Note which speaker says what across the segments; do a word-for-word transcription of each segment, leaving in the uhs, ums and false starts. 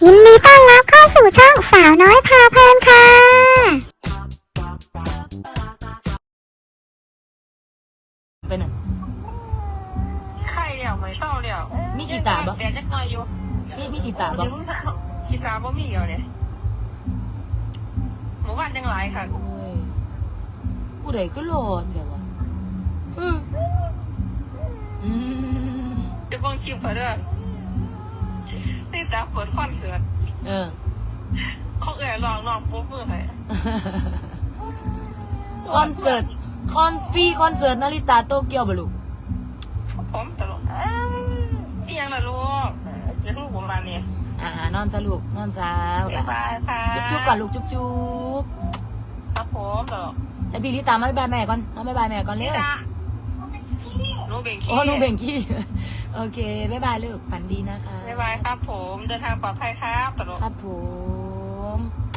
Speaker 1: ยินดีต้อนรับเข้าสู่ช่องสาวน้อยพาเพลินค่ะ
Speaker 2: เป็นอ่ะ
Speaker 3: ไข่เดี่ยวไม่เศร้าเดี่ยว
Speaker 2: มีกีตาร์บ่
Speaker 3: เดี๋ยวจะมาอยู่
Speaker 2: มีมีกีตาร์บ่
Speaker 3: กีตาร์บ่มีอยู่เนี่ยหมู่บ้านยังหลายค่ะ
Speaker 2: โอ้ยผู้ใดก็โลดเดี๋ยววะอืมอืม
Speaker 3: จะเบิ่งคลิปเขาเด้อนี่ตาเปิดคอนเสิร์ต
Speaker 2: เออ
Speaker 3: เขาเอ่ยลองลองปุ๊บมือให้
Speaker 2: คอนเสิร์ตคอนฟรีคอนเสิร์ตนาริตาโตเกียวบ่ลูก
Speaker 3: ผมตลกนี่ยังล่ะลูกอย่าเพิ่งผมมาเนี่ย
Speaker 2: อ่านอนซะลูกนอนซะ
Speaker 3: บ๊ายบายค่ะ
Speaker 2: จุ๊บๆก่อนลูกจุ๊บ
Speaker 3: ๆครับผมตลก
Speaker 2: ไอ้พี่ลิตามาบ๊ายบายแม่ก่อนมาบ๊ายบายแม่ก่อนเร็ว
Speaker 3: หนูเบ่งขี้
Speaker 2: โอ้หนูเบ่งขี้โอเคบ๊ายบายลูกฝันดีนะคะ
Speaker 3: บ๊ายบายครับผมเดินทางปลอดภัยครับตลก
Speaker 2: ครับผม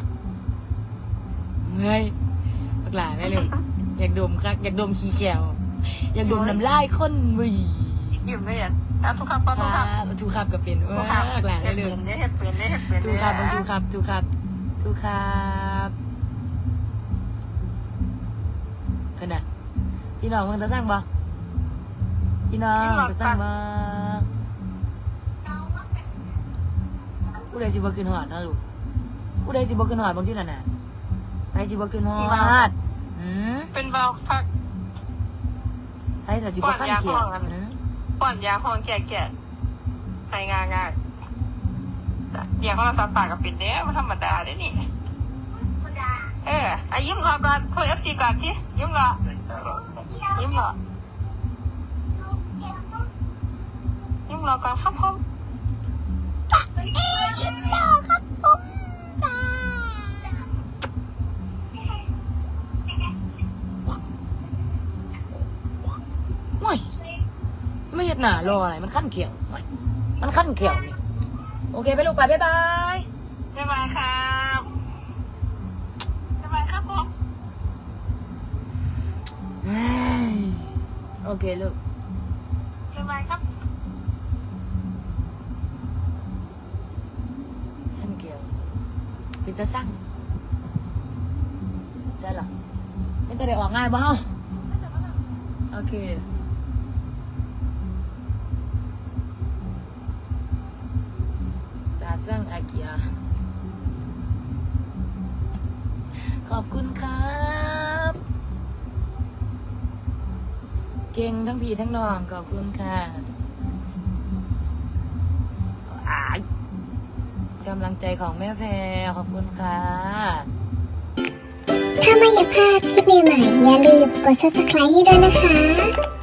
Speaker 2: เฮ้ยบักหลาแม่ลูกอยากดมครับอยากดมขี้แก้วอยากดมน้ำลายข้นวี
Speaker 3: ยิ้มเลยอ่ะอ่ะทุกครับทุกครับ
Speaker 2: ทุกครับกับเป็นว่าบักหลาแม่ลูก
Speaker 3: เฮ็ดเป็นเฮ็ดเป็น
Speaker 2: ทุกครับทุกครับทุกครับทุกครับเห็นไหมพี่น้องมันจะสร้างบ่พี่น้องจะสร้างบ่ผู้ใดสิบ่ขึ้นหอดนะลูกผู้ใดสิบ่ขึ้นหอดบางที่นั่นน่ะไปสิบ่ขึ้นหอดอืม
Speaker 3: เป็นเบาฟัก
Speaker 2: ไปแต่สิบ่ขั้นเขียว
Speaker 3: ป้อนยาห้องแก่แก่ไห้งางาเดี๋ยวเขาเราสับปากกับปิดเนี้ยมันธรรมดาเด้นี่เออไอ้ยิ้มรอก่อนคุยเอฟซีก่อนสิยิ้มรอยิ้มรอยิ้มรอก่อนครับผมยิ้มรอครับผม
Speaker 2: โอ้ยไม่เห็นหน้ารออะไรมันขั้นเขียวมันขั้นเขียวนี่โอเคไปลูกไปบ๊ายบาย
Speaker 3: บ๊ายบายครับบ๊ายบายครับผม
Speaker 2: โอเคลูก
Speaker 3: บ๊ายบายครับ
Speaker 2: ขั้นเขียวเป็นตาสั่งใช่หรอไม่ต้องได้ออกง่ายบ้าโอเคตาสั่งอาเกียขอบคุณครับเก่งทั้งพี่ทั้งน้องขอบคุณค่ะกำลังใจของแม่แพรขอบคุณค่ะ
Speaker 1: ถ้าไม่อยากพลาดคลิปใหม่ๆอย่าลืมกด ซับสไครบ์ ให้ด้วยนะคะ